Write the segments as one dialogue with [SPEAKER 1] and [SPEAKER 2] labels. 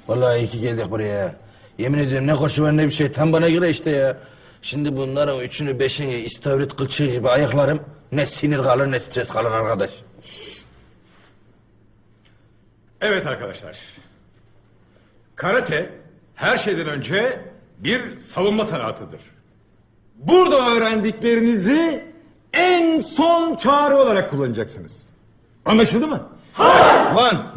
[SPEAKER 1] Vallahi iyi ki geldik buraya. Yemin ediyorum ne koşu var ne bir şey. Tam bana göre işte ya. Şimdi bunların üçünü beşini istavrit kılçığı gibi ayaklarım. Ne sinir kalır ne stres kalır arkadaş.
[SPEAKER 2] Evet arkadaşlar. Karate her şeyden önce bir savunma sanatıdır. Burada öğrendiklerinizi en son çare olarak kullanacaksınız. Anlaşıldı mı?
[SPEAKER 1] Lan!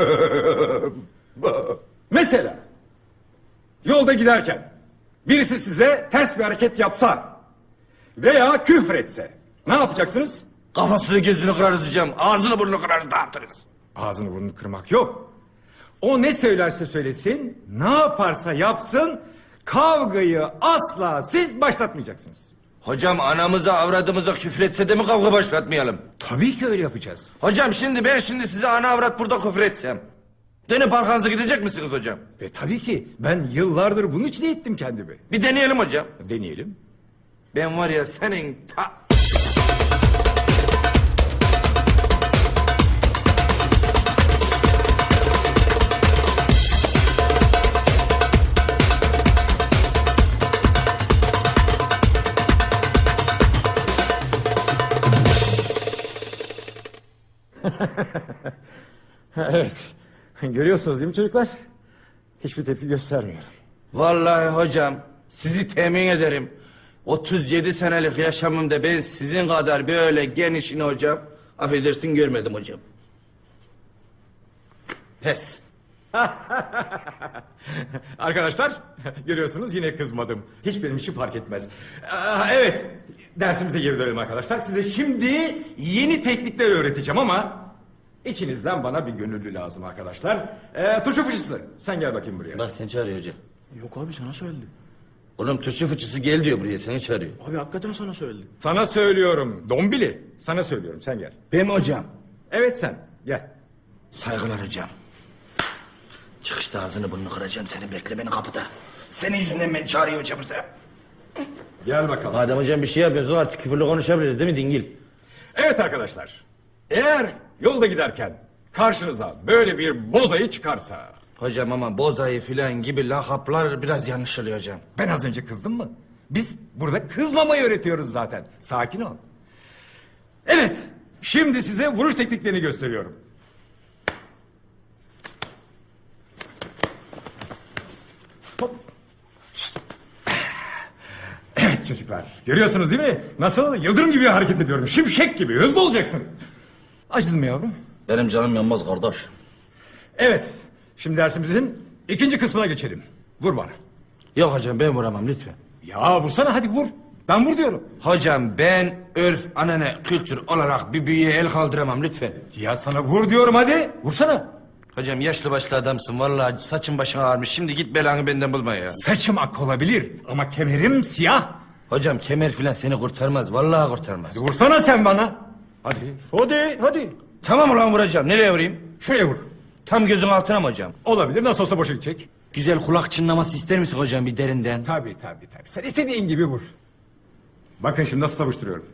[SPEAKER 2] Mesela yolda giderken birisi size ters bir hareket yapsa veya küfretse ne yapacaksınız?
[SPEAKER 1] Kafasını gözünü kırarız hocam. Ağzını burnunu kırarız dağıtırız.
[SPEAKER 2] Ağzını burnunu kırmak yok. O ne söylerse söylesin, ne yaparsa yapsın, kavgayı asla siz başlatmayacaksınız.
[SPEAKER 1] Hocam anamıza avradımıza küfretse de mi kavga başlatmayalım?
[SPEAKER 2] Tabii ki öyle yapacağız.
[SPEAKER 1] Hocam ben şimdi size ana avrat burada küfretsem. Dönüp arkanıza gidecek misiniz hocam?
[SPEAKER 2] Ve tabii ki ben yıllardır bunun için eğittim kendimi.
[SPEAKER 1] Bir deneyelim hocam.
[SPEAKER 2] Deneyelim.
[SPEAKER 1] Ben var ya senin
[SPEAKER 2] Evet. Görüyorsunuz değil mi çocuklar? Hiçbir tepki göstermiyorum.
[SPEAKER 1] Vallahi hocam sizi temin ederim. 37 senelik yaşamımda ben sizin kadar böyle genişini hocam affedersin görmedim hocam. Pes.
[SPEAKER 2] Arkadaşlar görüyorsunuz yine kızmadım. Hiç benim için fark etmez. Evet, dersimize geri dönelim arkadaşlar. Size şimdi yeni teknikler öğreteceğim ama içinizden bana bir gönüllü lazım arkadaşlar. Turşu fıçısı sen gel bakayım buraya.
[SPEAKER 1] Bak seni çağırıyor hocam.
[SPEAKER 3] Yok abi sana söyledi.
[SPEAKER 1] Oğlum Türkçe fıçısı gel diyor buraya seni çağırıyor.
[SPEAKER 3] Abi hakikaten sana söyledi.
[SPEAKER 2] Sana söylüyorum Dombili. Sana söylüyorum sen gel.
[SPEAKER 1] Ben mi hocam?
[SPEAKER 2] Evet sen gel.
[SPEAKER 1] Saygılar hocam. Çıkışta ağzını burnunu kıracağım seni bekle beni kapıda. Senin yüzünden beni çağırıyor hocam işte.
[SPEAKER 2] Gel bakalım.
[SPEAKER 1] Madem hocam bir şey yapıyorsun artık küfürlü konuşabiliriz değil mi dingil?
[SPEAKER 2] Evet arkadaşlar. Eğer yolda giderken karşınıza böyle bir bozayı çıkarsa...
[SPEAKER 1] Hocam ama bozayı filan gibi lakaplar biraz yanlış oluyor hocam.
[SPEAKER 2] Ben az önce kızdım mı? Biz burada kızmamayı öğretiyoruz zaten. Sakin ol. Evet. Şimdi size vuruş tekniklerini gösteriyorum. Hop. Şşt. Evet çocuklar. Görüyorsunuz değil mi? Nasıl? Yıldırım gibi hareket ediyorum. Şimşek gibi. Hızlı olacaksınız. Acıdın mı yavrum?
[SPEAKER 1] Benim canım yanmaz kardeş.
[SPEAKER 2] Evet. Şimdi dersimizin ikinci kısmına geçelim. Vur bana.
[SPEAKER 1] Yok hocam ben vuramam lütfen.
[SPEAKER 2] Ya vursana hadi vur. Ben vur diyorum.
[SPEAKER 1] Hocam ben örf, anane, kültür olarak bir büyüye el kaldıramam lütfen.
[SPEAKER 2] Ya sana vur diyorum hadi. Vursana.
[SPEAKER 1] Hocam yaşlı başlı adamsın vallahi saçın başın ağarmış. Şimdi git belanı benden bulma ya.
[SPEAKER 2] Saçım ak olabilir ama kemerim siyah.
[SPEAKER 1] Hocam kemer filan seni kurtarmaz vallahi kurtarmaz.
[SPEAKER 2] Vursana sen bana. Hadi. Hadi.
[SPEAKER 1] Tamam ulan vuracağım nereye vurayım?
[SPEAKER 2] Şuraya vur.
[SPEAKER 1] Tam gözün altına mı hocam?
[SPEAKER 2] Olabilir nasıl olsa boşa gidecek.
[SPEAKER 1] Güzel kulak çınlaması ister misin hocam bir derinden?
[SPEAKER 2] Tabii. Sen istediğin gibi vur. Bakın şimdi nasıl savuşturuyorum.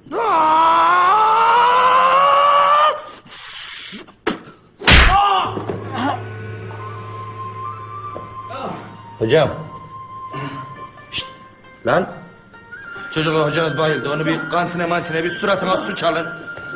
[SPEAKER 1] Hocam. Şşt. Lan. Çocuklar hocanız bayıldı. Onu bir kantine mantine bir suratına su çalın.